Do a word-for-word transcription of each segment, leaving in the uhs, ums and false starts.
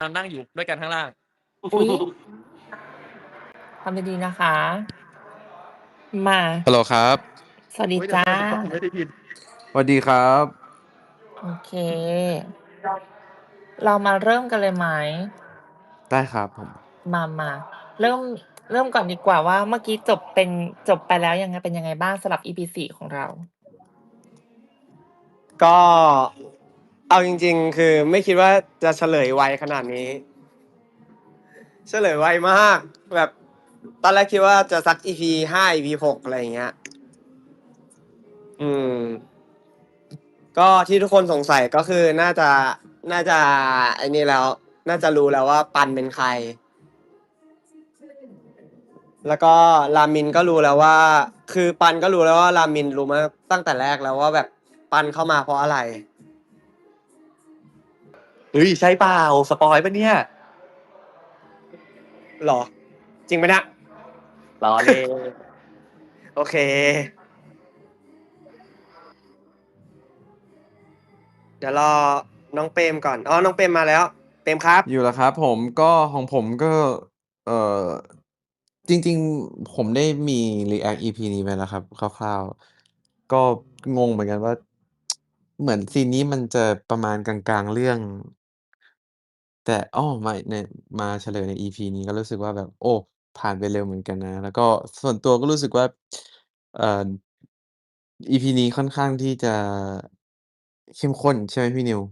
เรานั่งอยู่ด้วยกันข้างล่างอุ๊ย ทำดี ๆ นะคะ มาฮัลโหลครับสวัสดีอุ๊ย เดี๋ยจ้าวก่อน ผมไม่ได้ยินสวัสดีครับโอเค เรามาเริ่มกันเลยไหม? ได้ครับผมมา ๆ เริ่ม เริ่มก่อนดีกว่าว่า เมื่อกี้จบเป็น จบไปแล้วยังไง เป็นยังไงบ้างสำหรับ อี พี สี่ ของเรา? ก็ เอาจริง ๆ คือไม่คิดว่าจะเฉลยไวขนาดนี้ เฉลยไวมาก แบบตอนแรกคิดว่าจะสัก อี พี ห้า อี พี หก อะไรอย่างเงี้ย อืม ก็ที่ทุกคนสงสัย ก็คือน่าจะ น่าจะไอ้นี่แล้ว น่าจะรู้แล้วว่าปันเป็นใคร แล้วก็รามินก็รู้แล้วว่า คือปันก็รู้แล้วว่ารามินรู้มาตั้งแต่แรกแล้วว่าแบบปันเข้ามาเพราะอะไรเฮ้ย ใช่เปล่า สปอยล์เปล่าเนี่ย? เหรอ? จริงเปล่าเนี่ย? ล้อ เล่นโอเค เดี๋ยวรอน้องเปรมก่อน อ๋อ น้องเปรมมาแล้ว เปรมครับอยู่แล้วครับผม ก็ของผมก็ เอ่อ จริง ๆ ผมได้มี รีแอกต์ อี พี นี้ไปแล้วครับคร่าว ๆ ก็งงเหมือนกันว่า เหมือนซีนนี้มันจะประมาณกลาง ๆ เรื่อง แต่ อ้อ ไม่ ใน มาเฉลยใน อี พี นี้ก็รู้สึกว่าแบบ โอ้ ผ่านไปเร็วเหมือนกันนะ แล้วก็ส่วนตัวก็รู้สึกว่า เอ่อ อี พี นี้ค่อนข้างที่จะ เข้มข้น ใช่ไหมพี่นิว?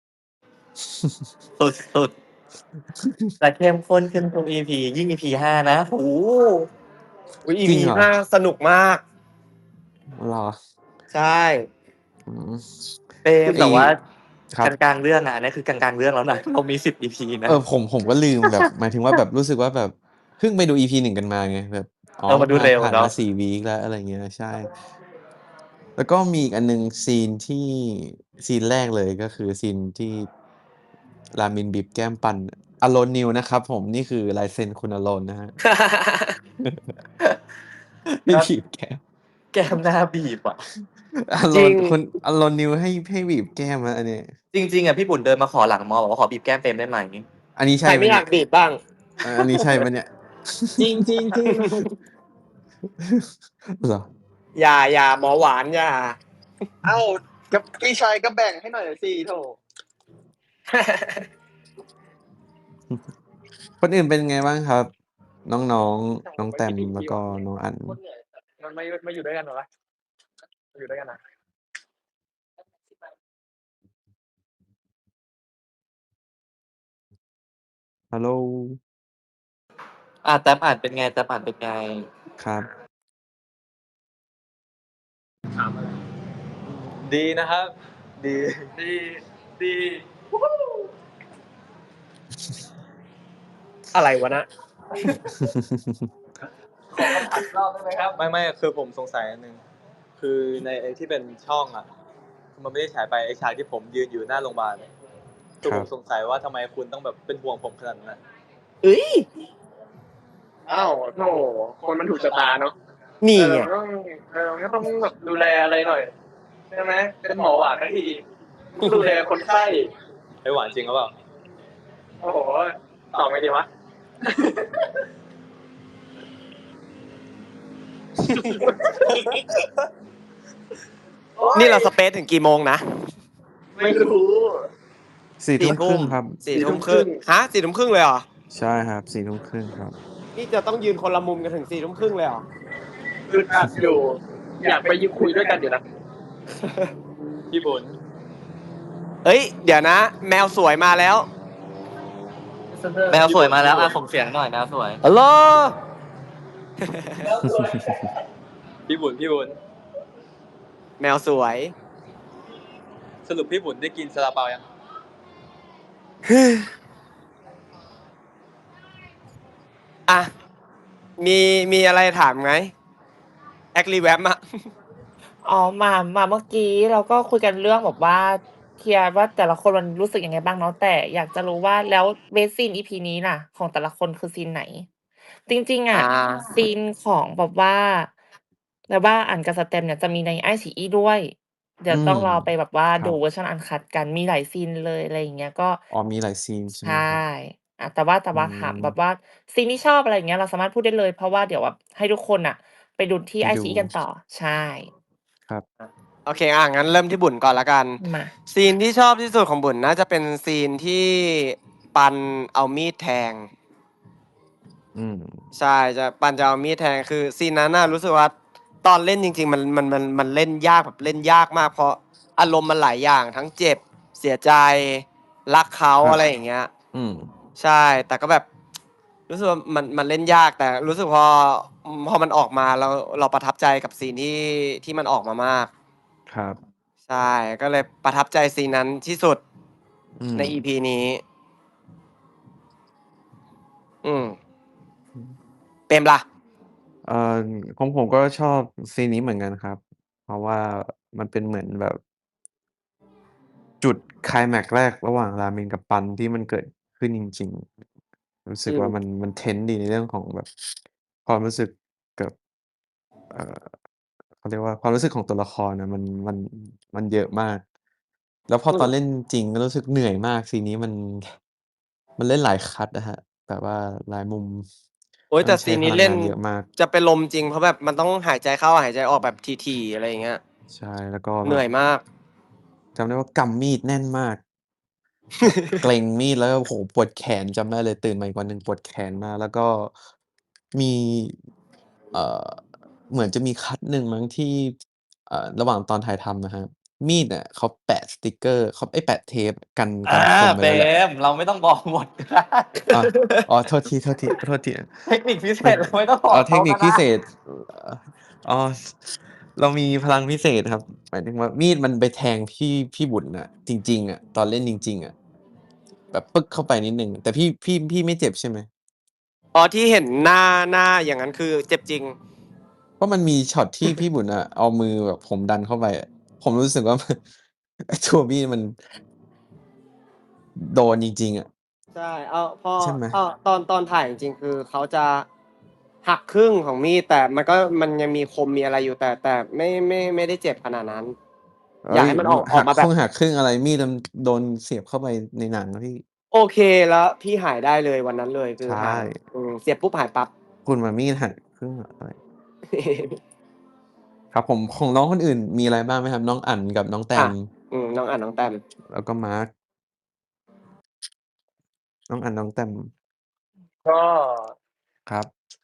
สุด ๆ แต่เข้มข้นขึ้นทุก อี พี ยิ่ง อี พี ห้า นะ โอ้โฮอุ๊ย อี พีจริงเหรอ? ห้า สนุกมากเหรอ? ใช่อืมเปรมไอแ้ต่ว่าครักบลาง ๆ เรื่องอะ อันนี้คือกลาง ๆ เรื่องแล้วนะ เรามี สิบ อี พี นเอะอ ผม ผมก็ลืมแบบ หมายถึงว่าแบบรู้สึกว่าแบบเพิ่งไปดู อี พี หนึ่ง กันมาไง แบบ อ๋อเออ มันดูมาเร็วผ่านเนามะา สี่ วีกแล้ว อะไรอย่างเงี้ย ใช่ แล้วก็มีอีกอันหนึ่งซีนที่ ซีนแรกเลยก็คือซีนที่ รามินบีบแก้มปัน Alone Niw นะครับผม นี่คือลายเซ็นคุณ Alone นะครับ ให้ก็บีบแก้มแก้มน่าบีบอะจริง Alone คุณ Alone Niw ให้ ให้บีบแก้มนะอันนี้จริง ๆ อะ พี่บุญเดินมาขอหลังมอ บอกว่าขอบีบแก้มเปรมได้ไหม? อันนี้ใใชคร่ไไหมม่อเยนีา่ย? กบีบบ้าง? เออ อันนี้ใช่เปล่าเนี่ยจริง ๆ ๆเหรอ? อย่า อย่า หมอหวานอย่าอ้าว ก็พี่ชายก็แบ่งให้หน่อยสิ โธ่คนอื่นเป็นไงบ้างครับ? น้อง ๆ น้องแตม แล้วก็น้องอั๋นมันมา มาอยู่ด้วยกันเหรอวะ? มาอยู่ด้วยกันอะฮัลโหลอา แต๊บ อั๋นเป็นไง แต๊บ อั๋นเป็นไง? ครับถามอะไร? ดีนะครับ ดีดี ดีอะไรวะน่ะ? ขอคำถามอีกรอบได้ไหมครับ? ไม่ ๆ คือผมสงสัยอันหนึ่ง คือในไอ้ที่เป็นช่องอะ มันไม่ได้ฉายไป ไอ้ฉากที่ผมยืนอยู่หน้าโรงบาลอะ คือครผับมสงสัยว่าทำไมคุณต้องแบบเป็นห่วงผมขนาดนั้นอะ? เฮ้ยอ้าว โธ่ คนมันถูกชะตาเนาะนี่เออไงมันต้อง เออ มันก็ต้องแบบดูแลอะไรหน่อย ใช่ไหม เป็นหมอหวานทั้งที ต้องดูแลคนไข้ เฮ้ย หวานจริงหรือเปล่า? โอ้โฮ ตอบไงดีวะ? นี่เราสเปซถึงกี่โมงนะ? ไม่รู้สี่สทุ่ี่มคทุรึ่่งมครับสี่ ทุ่มครึ่ง ฮะ สี่ ทุ่มครึ่งเลยเหรอ? ใช่ครับ สี่ ทุ่มครึ่งครับนี่จะต้องยืนคนละมุมกันถึง สี่ ทุ่มครึ่งเลยเหรอ? อึดอัดอยู่ อยากไปยืนคุยด้วยกันอยู่นะ พี่บุญเฮ้ย เดี๋ยวนะ แมวสวยมาแล้วแมวสวยมาแล้ว อา ส่งเสียงหน่อย แมวสวยฮัลโหลแมวสวย พี่บุญ พี่บุญแมวสวยสรุปพี่บุญได้กินซาลาเปายัง? อะ มี มีอะไรถามไหม? แอ๊กรีแวมอะอ๋อ มา มาเมื่อกี้เราก็คุยกันเรื่องแบบว่า เคลียร์ว่าแต่ละคนมันรู้สึกยังไงบ้างเนาะ แต่อยากจะรู้ว่า แล้ว Best Scene อี พี นี้น่ะ ของแต่ละคนคือซีนไหน? จริง ๆ ออะาซีนของแบบว่า แบบว่าอั๋นกับสแตมป์เนี่ยจะมีใน ไอฉีอี้ด้วยเดี๋ยอืวต้องรอมไปแบบว่าครดัูบเวอร์ชัน uncut กัน มีหลายซีนเลย อะไรอย่างเงี้ย ก็อ๋อ มีหลายซีนใช่ใชไหม่ครับ? อา แต่ว่า แต่อืว่าถามแบบมว่าซีนที่ชอบ อะไรอย่างเงี้ย เราสามารถพูดได้เลย เพราะว่าเดี๋ยวแบบให้ทุกคนน่ะไปดูที่ไปดู iQIYI กันต่อ ใช่ครับอะ โอเค อา งั้นเริ่มที่บุญก่อนแล้วกันมาซีนที่ชอบที่สุดของบุญน่าจะเป็นซีนที่ปันเอามีดแทงอืมใช่ จะ ปันจะเอามีดแทง คือซีนนั้นน่ะรู้สึกว่า ตอนเล่นจริง ๆ มัน มัน มัน มันเล่นยากแบบเล่นยากมาก เพราะอารมณ์มันหลายอย่าง ทั้งเจ็บ เสียใจ รักเขาครัอะบไรอย่างเงี้ยอืมใช่ แต่ก็แบบ รู้สึกว่ามัน มันเล่นยาก แต่รู้สึกพอ อืม พอมันออกมาแล้ว เราประทับใจกับซีนที่ ที่มันออกมามากครับใช่ ก็เลยประทับใจซีนนั้นที่สุด ในอืมอีพี นี้ อืมอืมเปรมล่ะ? เอ่อ ของผมก็ชอบซีนนี้เหมือนกันครับ เพราะว่ามันเป็นเหมือนแบบ จุดไคลแม็กซ์แรกระหว่างรามินกับปันที่มันเกิดขึ้นจริง ๆ รู้สึอืมกว่ามัน มัน tense ดีในเรื่องของแบบความรู้สึกกับ เอ่อ เขาเรียกว่า ความรู้สึกของตัวละครอะมัน มัน มันเยอะมาก แล้วพออืมตอนเล่นจริงก็รู้สึกเหนื่อยมาก ซีนนี้มัน มันเล่นหลายคัตอะครับ แบบว่าหลายมุมโอ๊แลย้วแตม่ันใซช้ีนพลนี้ังเล่นงานเยอะมากจะเป็นลมจริง เพราะแบบมันต้องหายใจเข้าหายใจออกแบบถี่ ๆ อะไรอย่างเงี้ยใช่ แล้วก็เแหนบื่บอยมากจำได้ว่ากำมีดแน่นมาก แบบเกร็งมีด แล้วก็ โอ้โฮ ปวดแขน จำได้เลย ตื่นมาอีกวันหนึ่งปวดแขนมาก แล้วก็มี เอ่อ เหมือนจะมีคัตหนึ่งมั้งที่ เอ่อ ระหว่างตอนถ่ายทำนะครับ มีดอะเขาแปะสติกเกอร์ เขา เอ๊ย แปะเทปกันอกัานคมไว้เปรแล้วแหละม เราไม่ต้องบอกหมด ก็ได้อา อ๋อ โทษที ๆ ขอโทษทีเทคนิคพิเศมันษ เราไม่ต้องบอ๋ออกเเขทคานิคพก็ไดิเศ้ษ อ อ๋อ ส เรามีพลังพิเศษครับ หมายถึงว่ามีดมันไปแทงพี่ พี่บุญน่ะ จริง ๆ อะ ตอนเล่นจริง ๆ อะ แบบปึ๊กเข้าไปนิดหนึ่ง แต่พี่ พี่ พี่ไม่เจ็บใช่ไหม? อ๋อ ที่เห็นหน้า หน้าอย่างงั้นคือเจ็บจริงเพราะมันมีช็อตที่พี่บุญอะเอามือแบบผมดันเข้าไปอะ ผมรู้สึกว่า ไอ้ตัวมีดมัน โดนจริง ๆ อะใช่ เอา พอใช่ไหม? อ้อ ตอน ตอนถ่ายจริง ๆ คือเขาจะหักครึ่งของมีด แต่มันก็ มันยังมีคมมีอะไรอยู่ แต่ แต่ไม่ ไม่ ไม่ได้เจ็บขนาดนั้นเฮอยา้กยให้มันออก อหอักมาแบบกคร่งหักครึ่งอะไร มีดมันโดนเสียบเข้าไปในหนังนะพี่โอเค แล้วพี่หายได้เลยวันนั้นเลย คืใชอหาย่อืม เสียบปุ๊บหายปั๊บคุณอะมีดหักครึ่งอะ อะไร ครับผม ของน้องคนอื่นมีอะไรบ้างไหมครับ? น้องอั๋นกับน้องแตอะมอืม น้องอั๋น น้องแตมแล้วก็มาร์ค น้องอั๋น น้องแตมก็ครับ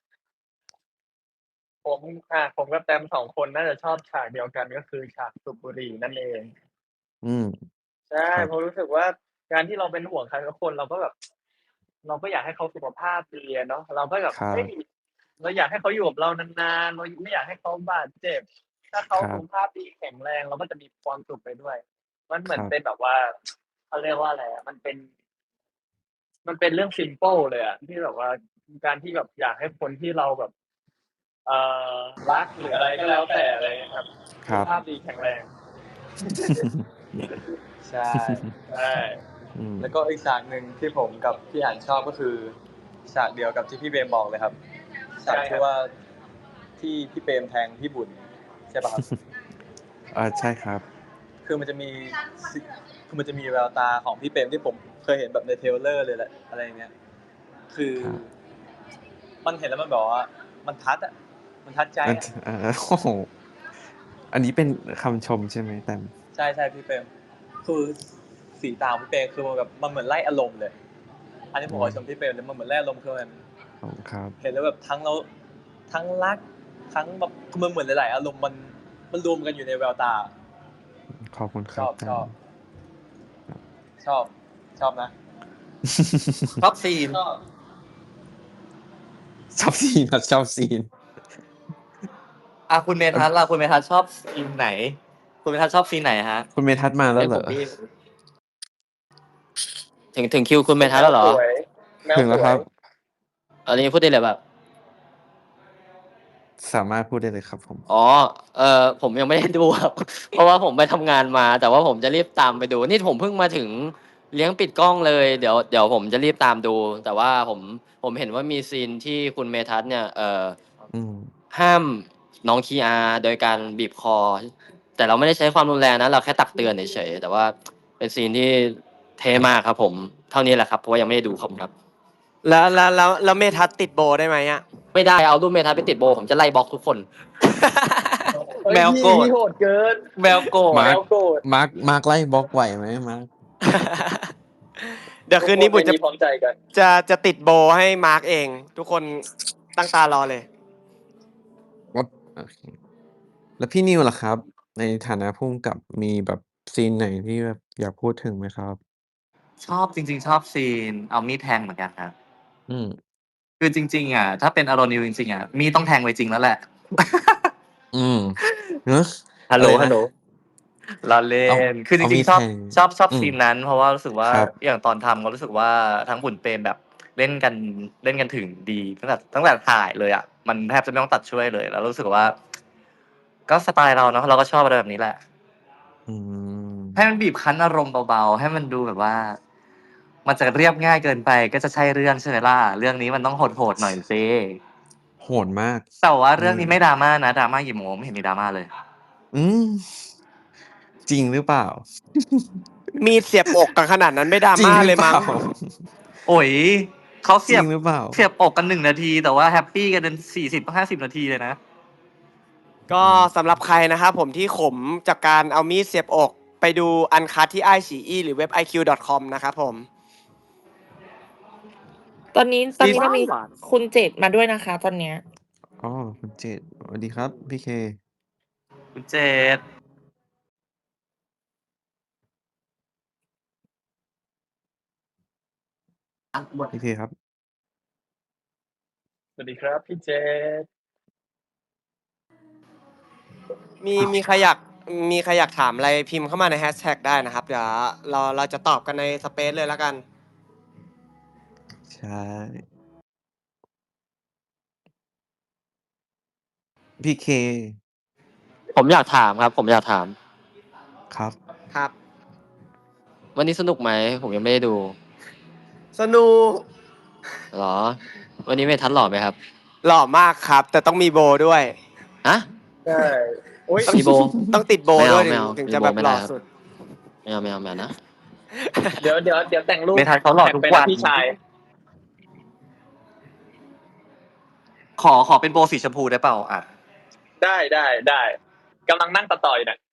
ผม อ่า ผมกับแตม สอง คนน่าจะชอบฉากเดียวกัน ก็คือฉากสูบบุหรี่นั่นเองอืมใช่ครับเพราะรู้สึกว่าการที่เราเป็นห่วงใครสักคน เราก็แบบ เราก็อยากให้เขาสุขภาพดีอะเนาะ เราก็แบบครัเฮ้ยบเราอยากให้เขาอยู่กับเรานาน ๆ เราไม่อยากให้เขาบาดเจ็บ ถ้าเขาครัสุขบภาพดีแข็งแรง เราก็จะมีความสุขไปด้วย มันเหมคือรนัเบป็นแบบว่า เขาเรียกว่าอะไรอะ มันเป็น มันเป็นเรื่อง ซิมเพิล เลยอะ ที่แบบว่าการที่แบบอยากให้คนที่เราแบบ เอ่อ รัก หรืออะไรก็แล้วแต่ อะไรอย่างเงี้ยครับครสุขับภาพดีแข็งแรง ใช่ ใช่อืมแล้วก็อีกฉากหนึ่งที่ผมกับพี่อั๋นชอบ ก็คือฉากเดียวกับที่พี่เปรมบอกเลยครับ ฉากที่ว่า ที่พี่เปรมแทงพี่บุญ ใช่เปล่าครับ? อา ใช่ครับคือมันจะมี ซิ คือมันจะมีแววตาของพี่เปรมที่ผมเคยเห็นแบบใน Trailer เลยแหละ อะไรอย่างเงี้ย คือครับมันเห็นแล้วมันแบบว่า มันทัดอะ มันทัดใจมันอะท อา โอ้โฮ อันนี้เป็นคำชมใช่ไหมแตม? ใช่ ๆ พี่เปรม คือ สีตาของพี่เปรม คือมันแบบ มันเหมือนไล่อารมณ์เลย อันนี้อผืมขอชมมพี่เปรมเลย มันเหมือนไล่อารมณ์ คือมันขอบคุณครับเห็นแล้วแบบทั้งเรา ทั้งรัก ทั้งแบบ คือมันเหมือนหลาย ๆ อารมณ์ มัน มันรวมกันอยู่ในแววตาขอบคุณคชรับอบแตม ครับๆ ชอบ ชอบนะชอบซีนชอบชอบซีนครับ ชอบซีนอา คุณเมทัศน์ล่ะ คุณเมทัศน์ชอบซีนไหน? คุณเมทัศน์ชอบซีนไหนครับ? คุณเมทัศน์มาแเลฮ้้ยวเหรอ? ผมได้ยิน ถึง ถึงคิวคุณเเมทัศน์แล้วเหรอ? แมวสวย แมถวึงแสวล้วครยับอันนี้พูดได้เลยเปล่า? สามารถพูดได้เลยครับผมอ๋อ เอ่อ ผมยังไม่ ได้ดู ครับ เพราะว่าผมไปทำงานมา แต่ว่าผมจะรีบตามไปดู นี่ผมเพิ่งมาถึงเลี้ยงปิดกล้องเลย เดี๋ยว เดี๋ยวผมจะรีบตามดู แต่ว่าผม ผมเห็นว่ามีซีนที่คุณเมทัศน์เนี่ย เอ่ออืมห้ามน้องคีอาโดยการบีบคอ แต่แต่เราไม่ได้ใช้ความรุนแรงนะ เราแค่ตักเตือนเฉยๆ แต่ว่าเป็นซีนที่เท่มากครับผม เท่านี้แหละครับ เพราะว่ายังไม่ได้ดูขอบคุณครับแล้วแล้วแล้วแล้วเมทัศน์ติดโบได้ไหมอะไม่ได้เอารูปเมทัศน์ไปติดโบ ผมจะไล่บล็อกทุกคนเฮ้ยแมวพี่โกรธพี่โหดเกินแมวโกรธมาแมร์ควโกรธมาร์คมาร์คไล่บล็อกไหวไหมมาร์คเดี๋ยวคืนนี้บุญจะทุกคไม่มีพร้อมใจกันจะจะติดโบให้มาร์กเอง ทุกคนตั้งตารอเลยว่าโอเคแล้วพี่นิวล่ะครับ ในฐานะผู้กำกับมีแบบซีนไหนที่แบบอยากพูดถึงไหมครับชอบจริง ๆ ชอบซีนเอามีดแทงเหมือนกันครับอืมคือจริง ๆ อะ ถ้าเป็น Aronil จริง ๆ อะ มีดต้องแทงไว้จริงแล้วแหละอืม เนาะฮัลอะโหลไรฮันะลโหล ล้อเล่เอาน คือจเอาริมีงดๆ ชอบแทงชอบ ชอบอืซีมนนั้น เพราะว่ารู้สึกว่าครับอย่างตอนทำก็รู้สึกว่าทั้งบุญเปรมแบบเล่นกัน เล่นกันถึงดี ตั้งแต่ ตั้งแต่ถ่ายเลยอะ มันแทบจะไม่ต้องตัดช่วยเลย แล้วรู้สึกว่า ก็สไตล์เราเนาะ เราก็ชอบอะไรแบบนี้แหละอืมให้มันบีบคั้นอารมณ์เบา ๆ ให้มันดูแบบว่า มันจะเรียบง่ายเกินไปก็จะใช่เรื่องใช่ไหมล่ะ เรื่องนี้มันต้องโหด ๆ หน่อยสิโหดมากแต่ว่าอืเรื่องมนี้ไม่ drama นะ drama กี่โมง ไม่เห็นมี drama เลยอืม จริงหรือเปล่า? มีดเสียบอกกันขนาดนั้นไม่จริง drama หรืเลอย เปมั้ล่า? งโอ๊ย เขาเสจียริบงหรือเปล่า? เสียบอกกัน หนึ่ง นาที แต่ว่าแฮปปีกันเป็น สี่สิบ ห้าสิบ นาทีเลยนะก็อืมสำหรับใครนะครับผมที่ขมจากการเอามีดเสียบอก ไปดู Uncut ที่ ไอฉีอี หรือเว็บ ไอคิว ดอท คอม นะครับผมตอนนี้ ตอนซีนี้เรามีหวานคุณเจตมาด้วยนะคะ ตอนเนี้ยอ๋อ คุณเจต สวัสดีครับพี่เคคุณเจตพี่เคครับสวัสดีครับพี่เจตมี มีใครอยาก มีใครอยากถามอะไรพิมพ์เข้ามาในแฮชแท็กได้นะครับ เดี๋ยวเรา เราจะตอบกันในสเปซเลยแล้วกันใช่ พี่เคผมอยากถามครับ ผมอยากถามครับครับวันนี้สนุกไหม? ผมยังไม่ได้ดูสนุกเหรอ? วันนี้เมทัศน์หล่อไหมครับ? หล่อมากครับ แต่ต้องมีโบว์ด้วยฮะ? ใช่ อุ๊ยต้องมีโบว์ต้องติดโบไม่ว์เอด้าวยไมถึ่งเอาถึงมีจะโบแบว์บไม่หไดล่้อครับสุดไม่เอา ไม่เอา ไม่เอานะเดี๋ยว เดี๋ยว เดี๋ยวแต่งรูปเมทัศน์เขาหล่อแท็กทุกไปวันะนพี่ชายขอ ขอเป็นโบสีชมพูได้เปล่า? อะได้ ๆ ๆ กำลังนั่งตัดต่ออยู่เนี่ย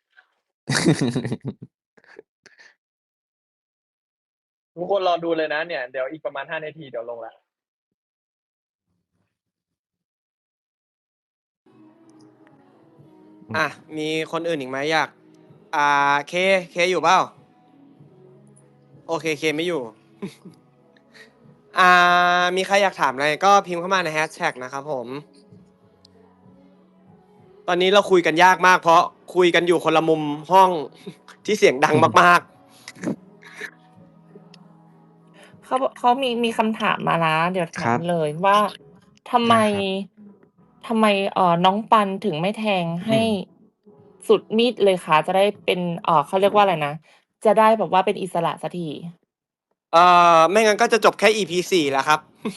ทุกคนรอดูเลยนะเนี่ย เดี๋ยวอีกประมาณ ห้า นาทีเดี๋ยวลงแล้วอะ มีคนอื่นอีกไหม? อยาก อ่า เค เคอยู่เปล่า? โอเค เคไม่อยู่ อ่า มีใครอยากถามอะไรก็พิมพ์เข้ามาในแฮชแท็กนะครับผม ตอนนี้เราคุยกันยากมาก เพราะคุยกันอยู่คนละมุมห้อง ที่เสียงดังมาก ๆเขาบอก เขามี มีคำถามมานะ เดี๋ยวถคารัมบเลยว่า ทำไไดม้ครับทำไม เอ่อ น้องปันถึงไม่แทงใอืห้มสุดมีดเลยคะ? จะได้เป็น เอ่อ เขาเรียกว่าอะไรนะ จะได้แบบว่าเป็นอิสระสักทีเอ่อ ไม่งั้นก็จะจบแค่ อี พี สี่ แล้วครับ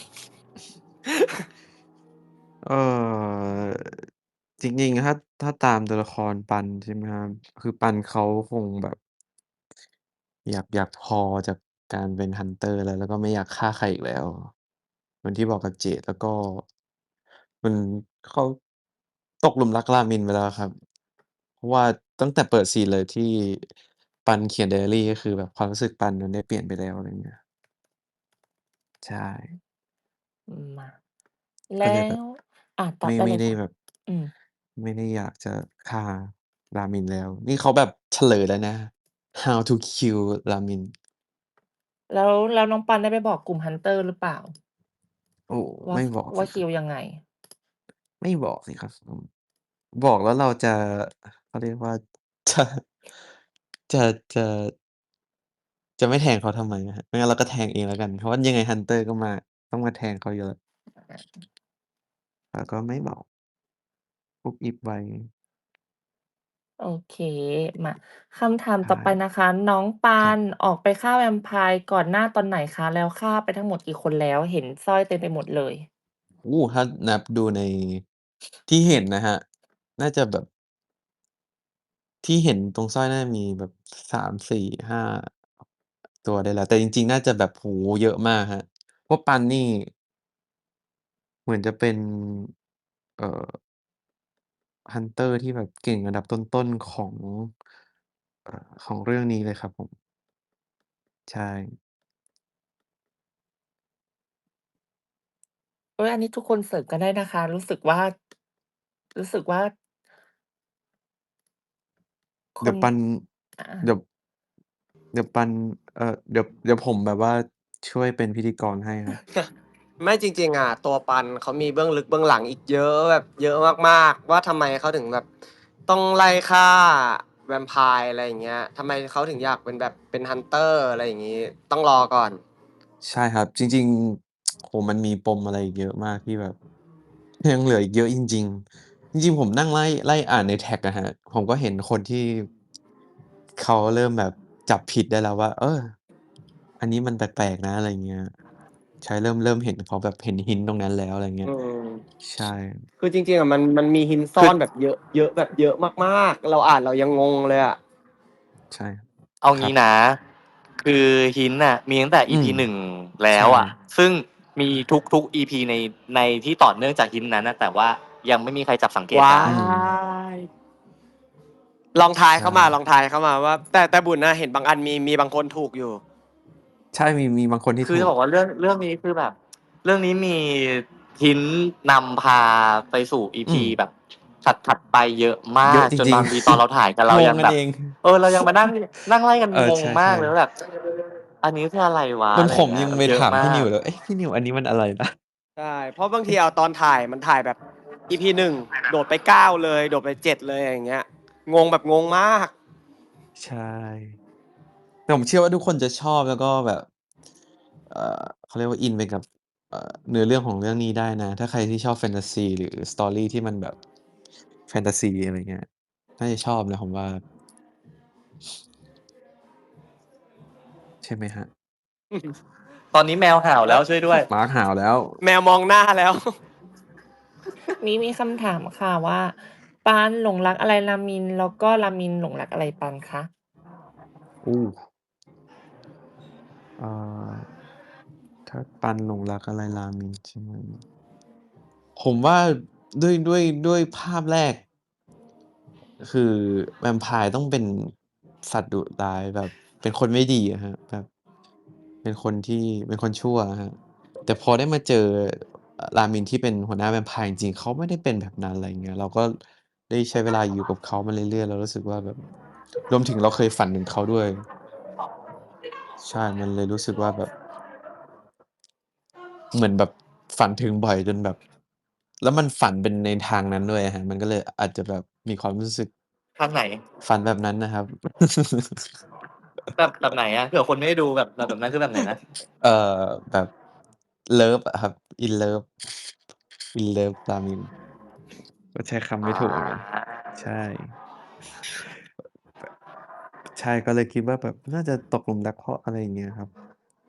เอ่อ จริง ๆ ถ้า ถ้าตามตัวละครปัน ใช่ไหมครับ คือปันเขาคงแบบ อยาก อยากพอจากการเป็น Hunter แล้ว แล้วก็ไม่อยากฆ่าใครอีกแล้ว เหมือนที่บอกกับเจต แล้วก็ มัน เขาตกหลุมรักรามินไปแล้วอะครับ เพราะว่าตั้งแต่เปิดซีนเลยที่ปันเขียนไดอารี ก็คือแบบความรู้สึกปันมันได้เปลี่ยนไปแล้ว อะไรอย่างเงี้ย ใช่อืม มา แลก็้เลยแบบว อา ตอไมบ่ได้ไเมล่ยค่ะได้แบบอืมไม่ได้อยากจะฆ่ารามินแล้ว นี่เขาแบบเฉลยแล้วนะ How to kill รามินแล้ว แล้วน้องปันได้ไปบอกกลุ่ม Hunter หรือเปล่า? โอ้ว่าไม่บอกวส่ิาคครัิบลยังไง? ไม่บอกสิครับ อืม บอกแล้วเราจะ เขาเรียกว่า จะ จะ จะ จะไม่แทงเขาทำไมอะครับ ไม่งั้นเราก็แทงเองแล้วกัน เพราะว่ายังไง Hunter ก็มา ต้องมาแทงเขาอยู่แล้ว แต่ก็ไม่บอก อุบอิบไว้โอเค มา คำถามใชต่อไป่นะคะ น้องปาครับนออกไปฆ่าแวมไพร์ก่อนหน้าตอนไหนคะ? แล้วฆ่าไปทั้งหมดกี่คนแล้ว? เห็นสร้อยเต็มไปหมดเลยโอ้ ถ้านับดูใน ที่เห็นนะครับ น่าจะแบบที่เห็นตรงสร้อยน่าจะมีแบบสาม สี่ ห้า ตัวได้แล้ว แต่จริง ๆ น่าจะแบบ โอ้โฮ เยอะมากครับ เพราะปันนี่ เหมือนจะเป็น เอ่อ Hunter ที่แบบเก่งอันดับต้น ๆ ของ เอ่อ ของเรื่องนี้เลยครับผม ใช่เฮ้ย อันนี้ทุกคนเสิร์ชกันได้นะคะ รู้สึกว่า รู้สึกว่า คเดี๋ยวน ปันอาเดี๋ยว เดี๋ยวปัน เอ่อ เดี๋ยว เดี๋ยวผมแบบว่าช่วยเป็นพิธีกรให้ครับไม่ จริง ๆ อะ ตัวปันเขามีเบื้องลึกเบื้องหลังอีกเยอะ แบบเยอะมาก ๆ ว่าทำไมเขาถึงแบบต้องไล่ฆ่าแวมไพร์ อะไรอย่างเงี้ย ทำไมเขาถึงอยากเป็นแบบเป็น Hunter อะไรอย่างงี้ ต้องรอก่อนใช่ครับ จริง ๆ โอ้โฮ มันมีปมอะไรอีกเยอะมากที่แบบ ยังเหลืออีกเยอะจริง ๆ จริง ๆ ผมนั่งไล่ ไล่อ่านในแท็กอะครับ ผมก็เห็นคนที่ เขาเริ่มแบบจับผิดได้แล้วว่า เออ อันนี้มันแปลก ๆ นะ อะไรอย่างเงี้ย ใช่ เริ่ม เริ่มเห็นเขาแบบเห็น Hint ตรงนั้นแล้ว อะไรอย่างเงี้อืยมใช่คือจริง ๆ อะมัน มันมี Hint ซค่ืออนแบบเยอะ เยอะแบบเยอะมาก ๆ เราอ่านเรายังงงเลยอะใช่เอางครัี้บนะ คือ Hint น่ะมีตั้งแต่อือี พีมหนึ่ง แลใช้ว่อะ ซึ่งมีทุก ๆ อี พี ใน ในที่ต่อเนื่องจาก Hint นั้นน่ะ แต่ว่ายังไม่มีใครจับสังเกตว้าได้อืมย! ลองทายใชเข้ามา ล่องทายเข้ามาว่า แต่ แต่บุญน่ะเห็นบางอันมี มีบางคนถูกอยู่ใช่ มี มีบางคนที่ถคือจูะกบอกว่าเรื่อง เรื่องนี้คือแบบ เรื่องนี้มี Hint นำพาไปสู่ อีอืพีมแบบถัด ๆ ไปเยอะมเยาอะกจริงจนบางทีตอนเราถ่ายกันๆเรางยงังกัแบบนเองเออ เรายังมานั่ง นั่งไล่กันเอองงใมาชก่เลยว่าๆแบบ อันนี้คืออะไรวะเหมืออนะไรผอย่างเงี้ยมยังไปถามพี่นิวเยอะมากเลย เอ๊ะ พี่นิวอันนี้มันอะไรนะ? ใช่ เพราะบางทีเอาตอนถ่ายมันถ่ายแบบ อี พี หนึ่ง โดดไป เก้า เลย โดดไป เจ็ด เลย อย่างเงี้ย งงแบบงงมากใช่ แต่ผมเชื่อว่าทุกคนจะชอบ แล้วก็แบบ เอ่อ เขาเรียกว่า อินไปกับ เอ่อ เนื้อเรื่องของเรื่องนี้ได้นะ ถ้าใครที่ชอบแฟนทาซี หรือ Story ที่มันแบบแฟนทาซี อะไรเงี้ย น่าจะชอบนะผมว่า ใช่ไหมครับ? ตอนนี้แมวเห่าแล้ว ช่วยด้วยหมาเห่าแล้วแมวมองหน้าแล้วนี้มีคำถามค่ะว่า ปานหลงรักอะไรรามิน แล้วก็รามินหลงรักอะไรปานคะ? โอ้! อ่า ถ้าปันหลงรักอะไรรามิน ใช่ไหม ผมว่าด้วย ด้วย ด้วยภาพแรก คือแวมไพร์ต้องเป็นสัตว์ดุร้าย แบบเป็นคนไม่ดีอะครับ แบบเป็นคนที่ เป็นคนชั่วอะครับ แต่พอได้มาเจอ อ รามินที่เป็นหัวหน้าแวมไพร์จริง ๆ เขาไม่ได้เป็นแบบนั้น อะไรอย่างเงี้ย เราก็ได้ใช้เวลาอยู่กับเขามาเรื่อย ๆ เรารู้สึกว่าแบบ รวมถึงเราเคยฝันถึงเขาด้วย ใช่ มันเลยรู้สึกว่าแบบ เหมือนแบบฝันถึงบ่อยจนแบบ แล้วมันฝันเป็นในทางนั้นด้วยอะครับ มันก็เลยอาจจะแบบมีความรู้สึกทางไหน? ฝันแบบนั้นนะครับแบบ แบบไหนอะ? เผื่อคนไม่ได้ดูแบบ แบบนั้นคือแบบไหนนะ? เอ่อ แบบเลิฟอะครับ In love In love รามิน ก็ใช้คำอไม่ถูกเหมือนกัน ใช่าใช่ ก็เลยคิดว่าแบบน่าจะตกหลุมรักเพราะอะไรอย่างเงี้ยครับ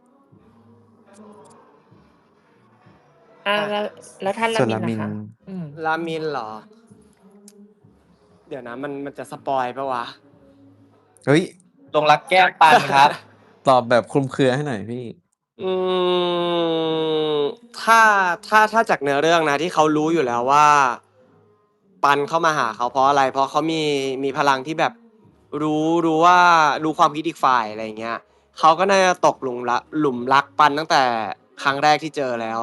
อาอาแล้ว แล้วถ้าสร่าวนรมินาล่มะิคนะ? อืมรามินเหรอ? เดี๋ยวนะ มัน มันจะสปอยล์เปล่าวะ? เฮ้ย! หลงรักแก้มปันครับตอบแบบคลุมเครือให้หน่อยพี่อืม ถ้า ถ้า ถ้าจากเนื้อเรื่องนะ ที่เขารู้อยู่แล้วว่า ปันเข้ามาหาเขาเพราะอะไร เพราะเขามี มีพลังที่แบบรู้ รู้ว่า รู้ความคิดอีกฝ่าย อะไรอย่างเงี้ย เขาก็น่าจะตกหลุมรัก หลุมรักปันตั้งแต่ครั้งแรกที่เจอแล้ว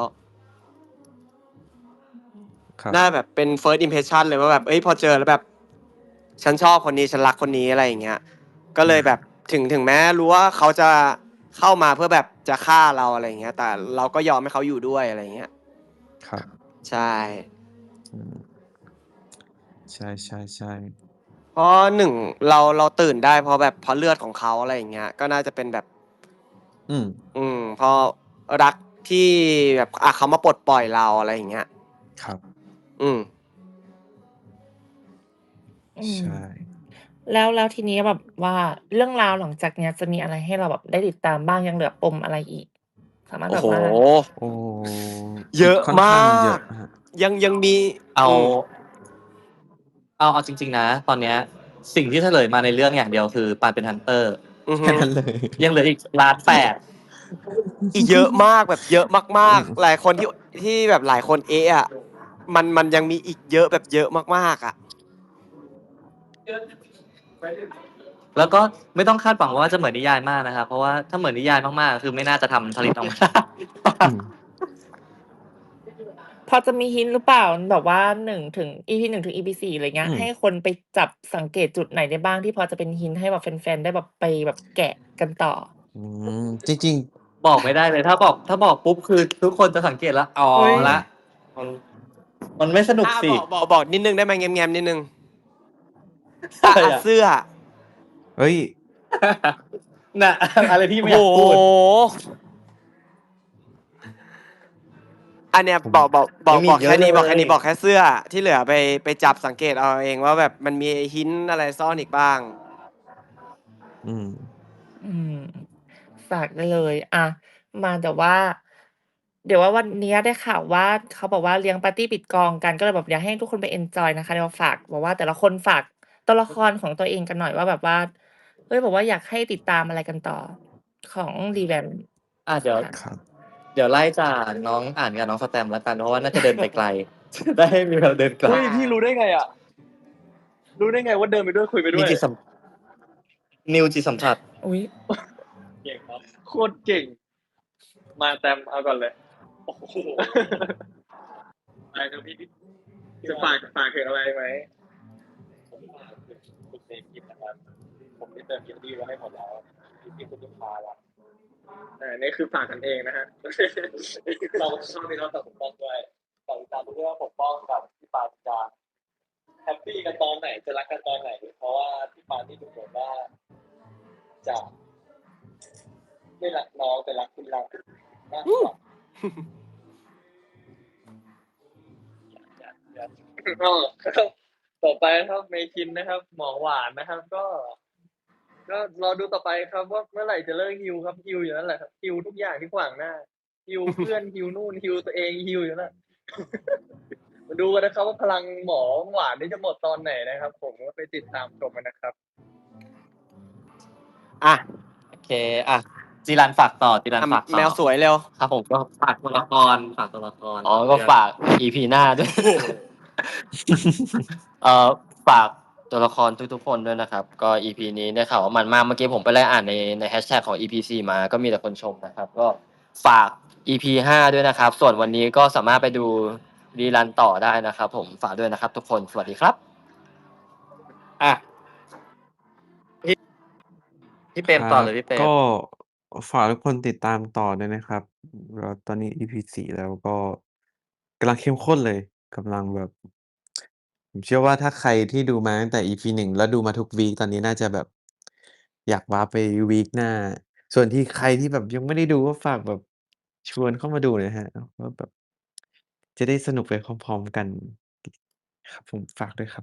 ครับน่าแบบเป็น First impression เลยว่าแบบ เฮ้ย พอเจอแล้วแบบ ฉันชอบคนนี้ ฉันรักคนนี้ อะไรอย่างเงี้ย ก็เลยแบบถึง ถึงแม้รู้ว่าเขาจะเข้ามาเพื่อแบบจะฆ่าเรา อะไรอย่างเงี้ย แต่เราก็ยอมให้เขาอยู่ด้วย อะไรอย่างเงี้ยครับใช่อืม ใช่ ๆ ๆเพราะ หนึ่ง เรา เราตื่นได้เพราะแบบ เพราะเลือดของเขา อะไรอย่างเงี้ย ก็น่าจะเป็นแบบอืมอืม เพราะรักที่แบบ อะ เขามาปลดปล่อยเรา อะไรอย่างเงี้ยครับอืมอืใชม่แล้ว แล้วทีนี้แบบว่าเรื่องราวหลังจากเนี้ย จะมีอะไรให้เราแบบได้ติดตามบ้าง ยังเหลือปมอะไรอีก? สามารถโอ้โฮแบบว่าโอ้โฮเยอะค่อนมข้างเยาอกะครับยัง ยังมีเอาอืมเอา เอาจริง ๆ นะ ตอนเนี้ยสิ่งที่เฉลยมาในเรื่องอย่างเดียวคือปานเป็นฮันเตอร์อือฮึแค่นั้นเลยยังเหลืออีกล้านแปดอีกเยอะมากแบบเยอะมากอืมๆ หลายคนที่ที่แบบหลายคนเอะอะมันมันยังมีอีกเยอะแบบเยอะมากๆอ่ะแล้วก็ไม่ต้องคาดหวังว่าจะเหมือนนิยายมากนะครับเพราะว่าถ้าเหมือนนิยายมากๆคือไม่น่าจะทำผลิตออกมาอืมพอจะมีฮินหรือเปล่าแบบว่าหนึ่งถึง อี พี หนึ่งถึง อี พี สี่อะไรเงี้ยอืมให้คนไปจับสังเกตจุดไหนได้บ้างที่พอจะเป็นฮินให้แบบแฟนๆได้แบบไปแบบแกะกันต่ออืมจริงบอกไม่ได้เลยถ้าบอกถ้าบอกปุ๊บคือทุกคนจะสังเกตแล้วอ๋ออุ๊ยละมันมันไม่สนุกอ่ะสิบอกบอกบอกนิดนึงได้ไหมแง้มๆนิดนึงอ่ะอะไรอ่ะอ่ะเสื้อๆ เฮ้ยน่ะ อะไรที่ไม่โอ้อยากโหพูดอันเนี้ยผมบอกบอกบอยักงมีบอกอีกเยอะแค่นี้เลยบอกแค่นี้บอกแค่เสื้อที่เหลือไปไปจับสังเกตเอาเองว่าแบบมันมีหินอะไรซ่อนอีกบ้างอืมอืม ฝากได้เลย อะ มาแต่ว่า เดี๋ยวว่าวันเนี้ยได้ข่าวว่า เขาบอกว่าเลี้ยงปาร์ตีปิดกองกัน ก็เลยแบบอยากให้ทุกคนไปเอนจอยนะคะ เดี๋ยวฝากแบบว่าแต่ละคนฝากตัวละครของตัวเองกันหน่อยว่าแบบว่า เฮ้ย แบบว่าอยากให้ติดตามอะไรกันต่อ ของ Revamp อ่ะเดี๋ยวค่ะครับเดี๋ยวไล่จากน้องอ่านกับน้องสแตมป์แล้วกัน เพราะว่าน่าจะเดินไปไกล จะได้มีเราเดินกลับเฮ้ยพี่รู้ได้ไงอ่ะ รู้ได้ไงว่าเดินไปด้วยคุยไปด้มีวยจิตสัม นิวจิตสัมผัสอุ๊ยเก่งครับ โคตรเก่ง มาแตมเอาก่อนเลย โอ้โห อะไรครับพี่จะฝากฝากถึงอะไรไหม ผมฝากถึงคุณเซคิดนะครับ ผมได้เติมยินดีไว้ให้หมดแล้วที่คุณลูกค้าแล้วอ่านี่คือฝากกันเองนะฮะ เราช่องนี้เราตัดปกป้องด้วยฝากติดตามด้วยว่าปกป้องกับพี่ปาจะแฮปปี้กันตอนไหนจะรักกันตอนไหน เพราะว่าพี่ปาที่ดูเหมือนว่าจะไม่รักน้องแต่รักคุณรักมากกว่า ก็ต่อไปนะครับเมคินนะครับ หมอหวานนะครับ ก็ ก็รอดูต่อไปครับว่าเมื่อไหร่จะเลิกฮิวครับฮิวอยู่นั่นแหละครับฮิวทุกอย่างที่ขวางหน้าฮิวเพื่อนฮิวนู่นฮิวตัวเองฮิวอยู่นั่น มาดูกันนะครับว่าพลังหมอหวานนี่จะหมดตอนไหนนะครับ ผมก็ไปติดตามชมกันนะครับอ่ะโอเค อ่ะ จีรันฝากต่อ จีรันอ่ะฝากต่อแมวสวยเร็วครับผมก็ฝากตัวละคร ฝากตัวละครอ๋อ ก็ฝาก อี พี หน้าด้วย เอ่อ ฝากตัวละครทุกๆคนด้วยนะครับ ก็ อี พี นี้ได้ข่าวว่ามันมาก เมื่อกี้ผมไปไล่อ่านใน ในแฮชแท็กของ อี พี สี่ มา ก็มีแต่คนชมนะครับ ก็ฝาก อี พี ห้า ด้วยนะครับ ส่วนวันนี้ก็สามารถไปดูรีรันต่อได้นะครับผม ฝากด้วยนะครับทุกคน สวัสดีครับอ่ะ พี่ พี่เปรมต่อเลยพี่เปรมก็ฝากทุกคนติดตามต่อด้วยนะครับแล้วตอนนี้ อี พี สี่ แล้วก็กำลังเข้มข้นเลยกำลังแบบ ผมเชื่อว่าถ้าใครที่ดูมาตั้งแต่ อี พี หนึ่ง แล้วดูมาทุกวีกตอนนี้น่าจะแบบ อยากวาร์ปไปวีกหน้า ส่วนที่ใครที่แบบยังไม่ได้ดูก็ฝากแบบชวนเข้ามาดูหน่อยนะครับว่าแบบ จะได้สนุกไปพร้อมๆกัน ครับผมฝากด้วยครับ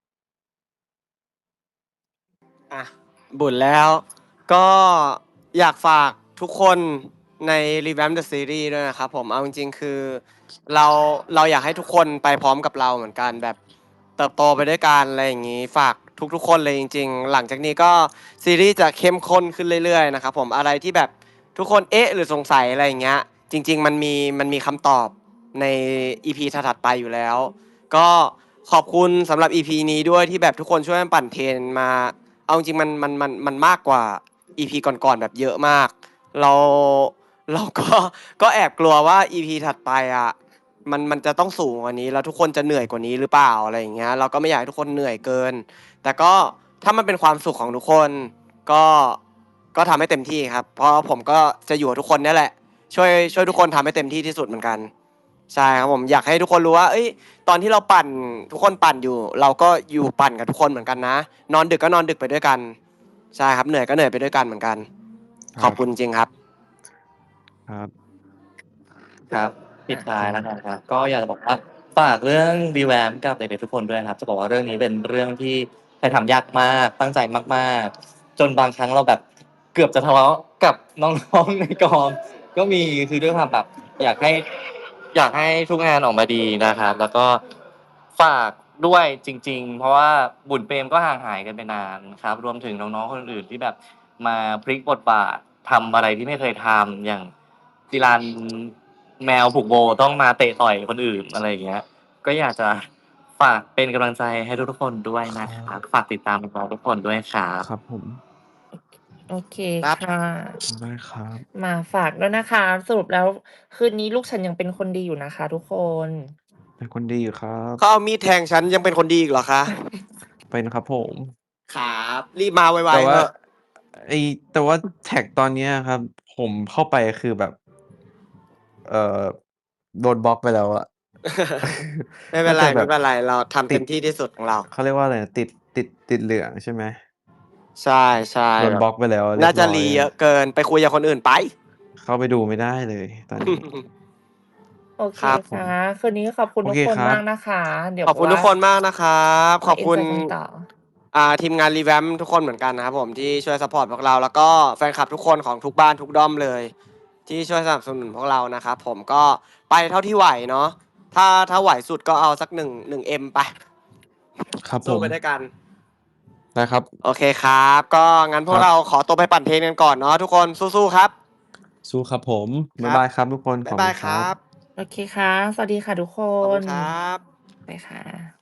อ่ะ บุญแล้ว ก็อยากฝากทุกคนใน Revamp the Series ด้วยนะครับผม เอาจริงๆ คือเราเราอยากให้ทุกคนไปพร้อมกับเราเหมือนกันแบบเติบโตไปด้วยกันอะไรอย่างนี้ ฝากทุกๆ คนเลยจริงๆ หลังจากนี้ก็ซีรีส์จะเข้มข้นขึ้นเรื่อยๆ นะครับผม อะไรที่แบบทุกคนเอ๊ะหรือสงสัยอะไรอย่างเงี้ย จริง ๆ มันมีมันมีคำตอบใน อี พี ถัดๆไปอยู่แล้ว ก็ขอบคุณสำหรับ อี พี นี้ด้วยที่แบบทุกคนช่วยกันปั่นเทรนมา เอาจริงๆมันมันมันมันมากกว่า อี พี ก่อนๆแบบเยอะมาก เราเราก็ ก็แอบกลัวว่า อี พี ถัดไปอ่ะมันมันจะต้องสูงกว่านี้แล้วทุกคนจะเหนื่อยกว่านี้หรือเปล่าอะไรอย่างเงี้ยเราก็ไม่อยากให้ทุกคนเหนื่อยเกิน แต่ก็ถ้ามันเป็นความสุขของทุกคนก็ก็ทำให้เต็มที่ครับ เพราะผมก็จะอยู่กับทุกคนนี่แหละ ช่วยช่วยทุกคนทำให้เต็มที่ที่สุดเหมือนกัน ใช่ครับผมอยากให้ทุกคนรู้ว่า เอ้ย ตอนที่เราปั่นทุกคนปั่นอยู่ เราก็อยู่ปั่นกับทุกคนเหมือนกันนะ นอนดึกก็นอนดึกไปด้วยกัน ใช่ครับเหนื่อยก็เหนื่อยไปด้วยกันเหมือนกันครับขอบคุณจริงครับครับครับปิดท้ายแล้วกันครับ ก็อยากจะบอกว่าฝากเรื่อง Revamp กับเด็กๆทุกคนด้วยนะครับ จะบอกว่าเรื่องนี้เป็นเรื่องที่ถ่ายทำยากมาก ตั้งใจมากๆ จนบางครั้งเราแบบเกือบจะทะเลาะกับน้องๆในกอง ก็มีคือด้วยความแบบอยากให้ อยากให้ทุกงานออกมาดีนะครับ แล้วก็ฝากด้วยจริง ๆ เพราะว่าบุญเปรมก็ห่างหายกันไปนานครับ รวมถึงน้องๆคนอื่นๆที่แบบมาพลิกบทบาททำอะไรที่ไม่เคยทำอย่างจิรันแมวผูกโบต้องมาเตะต่อยคนอื่นอะไรอย่างเงี้ย ก็อยากจะฝากเป็นกำลังใจให้ทุกๆคนด้วยคนะรัครับบฝากติดตามน้องๆทุกคนด้วยครับครับผมโอเคครับค่ะได้ครับมาฝากด้วยนะคะ สรุปแล้วคืนนี้ลูกฉันยังเป็นคนดีอยู่นะคะทุกคนเป็นคนดีอยู่ครับเขาเอามีดแทงฉันยังเป็นคนดีอีกเหรอคะเป็นครับผมครับ รีบมาไวแต่ๆว่าเถอะไอ้ แต่ว่าแท็กตอนเนี้ยครับ ผมเข้าไปคือแบบ เอ่อ โดนบล็อกไปแล้วอะไม่เป็น่านไรจะแบไม่บเป็นไร เราทำติเต็ดมที่ที่สุดของเราเขาเรียกว่าอะไรนะ ติด ติด ติดเหลืองใช่ไหม? ใช่โดนๆ แบบบล็อกไปแล้วเรีน่ายบจะร้อ re ยเยอะเกิน ไปคุยกับคนอื่นไปเข้าไปดูไม่ได้เลยตอนนี้โอเคครับผค่ะมคืนนี้ขอบคุณโอทุกเคคนครัมาบกนะคะ เดี๋ยวขอบคุณว่าทุกคนมากนะครับ ขมาอบคุณเอนจอยกันต่ออ่า ทีมงาน Revamp ทุกคนเหมือนกันนะครับผม ที่ช่วยซัปพอร์ตพวกเรา แล้วก็แฟนคลับทุกคนของทุกบ้านทุกด้อมเลย ที่ช่วยสนับสนุนพวกเรานะครับผม ก็ไปเท่าที่ไหวเนาะ ถ้า ถ้าไหวสุดก็เอาสัก หนึ่ง หนึ่ง เอ็ม ไปครับผสู้มไปด้วยกันได้ครับโอเคครับ ก็งั้นพวคกรับเราขอตัวไปปั่นเทรนกันก่อนเนาะทุกคน สู้ ๆ ครับสู้ครับผมคบ๊ารับยบายครับทุกคนบ๊ขาอย บบาคุยณคครรัับบโอเคค่ะ สวัสดีค่ะทุกคขอบคุณนครับไปค่ะ